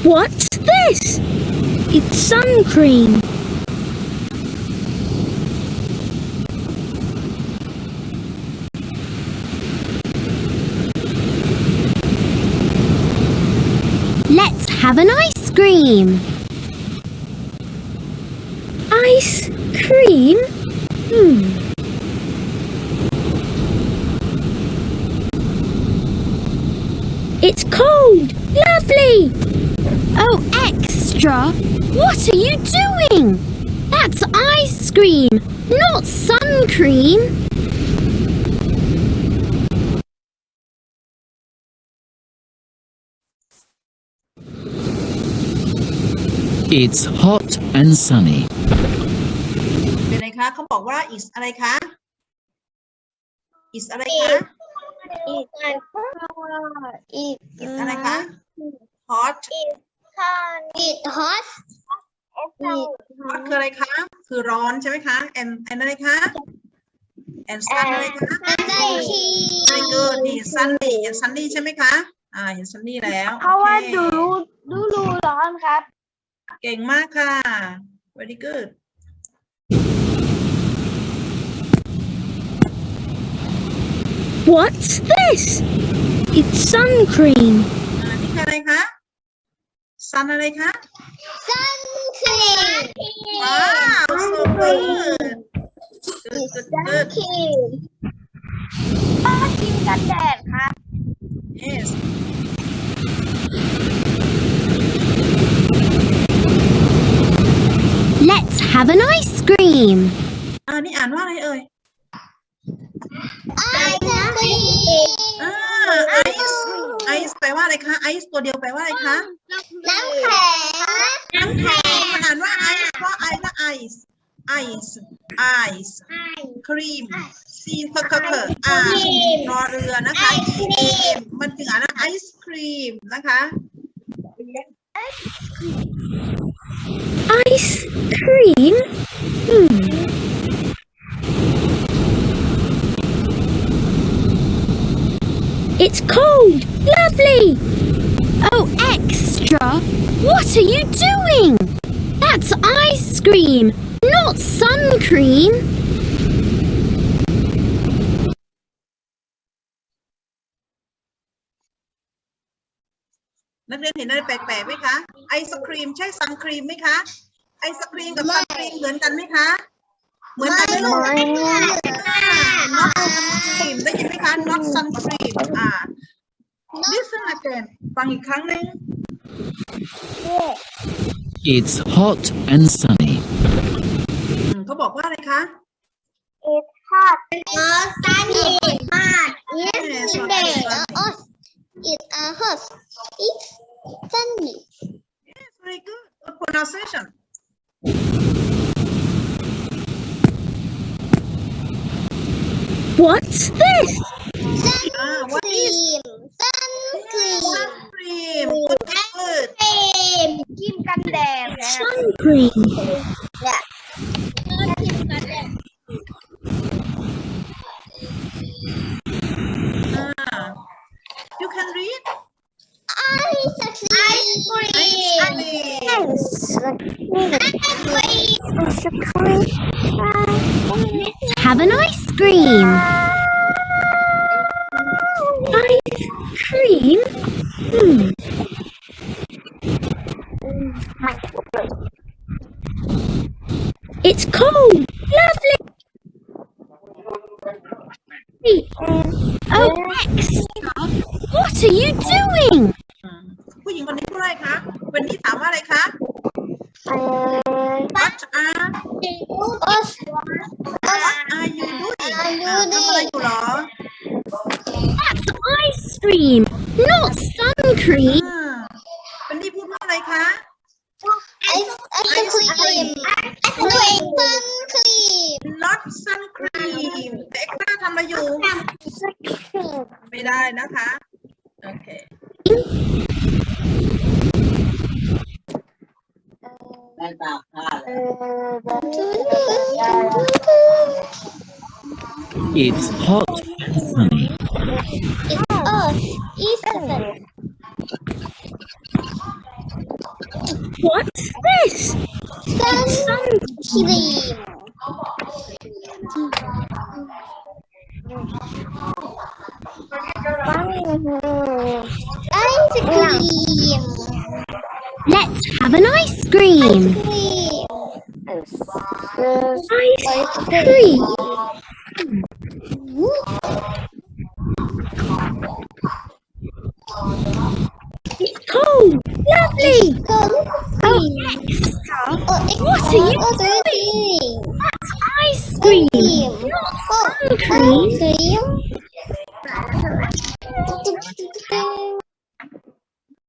What's this? It's sun cream. Let's have an ice cream. Ice cream? It's cold. Lovely. Oh, extra. What are you doing? That's ice cream, not sun cream. It's hot and sunny. เป็นไงคะเขาบอกว่า is อะไรคะ is อะไรคะ is อะไรคะ hot hot hot คืออะไรคะ คือร้อนใช่ไหมคะ and อะไรคะ and sun อะไรคะ very good นี่ sunny and sunny ใช่ไหมคะเห็น sunny แล้วเพราะว่าโอเคดูร้อนครับเก่งมากค่ะ very good What's this? It's sun cream. นี่คืออะไรคะ sun อะไรคะ sun cream ว้าว so good good cream ก็ครีมกันแดดครับ yes Let's have an ice cream. นี่อ่านว่าอะไรเอ่ย ice cream ไอซ์แปลว่าอะไรคะ ไอซ์ตัวเดียวแปลว่าอะไรคะน้ำแข็งมันอ่านว่าไอซ์เพราะไอซ์และไอซ์ไอซ์ไอซ์ครีมซีเคอร์รอเรือนะคะมันถึงอ่านว่าไอศครีมนะคะ Ice cream? It's cold. Lovely. Oh, extra. What are you doing? That's ice cream, not sun cream. นักเรียนเห็นอะไรแปลกๆไหมคะ ไอศครีมใช่ซันครีมไหมคะ ไอศครีมกับซันครีมเหมือนกันไหมคะ เหมือนกันไหมลูก not sun cream ได้ยินไหมคะ not sun cream listen again ฟังอีกครั้งหนึ่ง It's hot and sunny. เขาบอกว่าอะไรคะ it's hot sunny hot yes it's hot it's sunny yes very good good pronunciation What's this? what is sun cream sun cream good good ครีมกันแดด Sun cream. You can read ice cream Have an ice cream. Ice cream? It's cold. Lovely. Oh, extra. What are you doing? ผู้หญิงคนนี้พูดอะไรคะวันนี้ถามว่าอะไรคะ What are you doing ทำอะไรอยู่หรอ That's ice cream, not sun cream. วันนี้พูดว่าอะไรคะ ice cream sun cream not sun cream แต่เอ็กซ์ตร้าทำอะไรอยู่ ไม่ได้นะคะ โอเค It's hot and sunny. it's east What's this? sun cream. Ice cream. Let's have an ice cream. Ice cream. It's cold. Lovely. Oh, extra. What are you doing? That's ice cream. Not sun cream.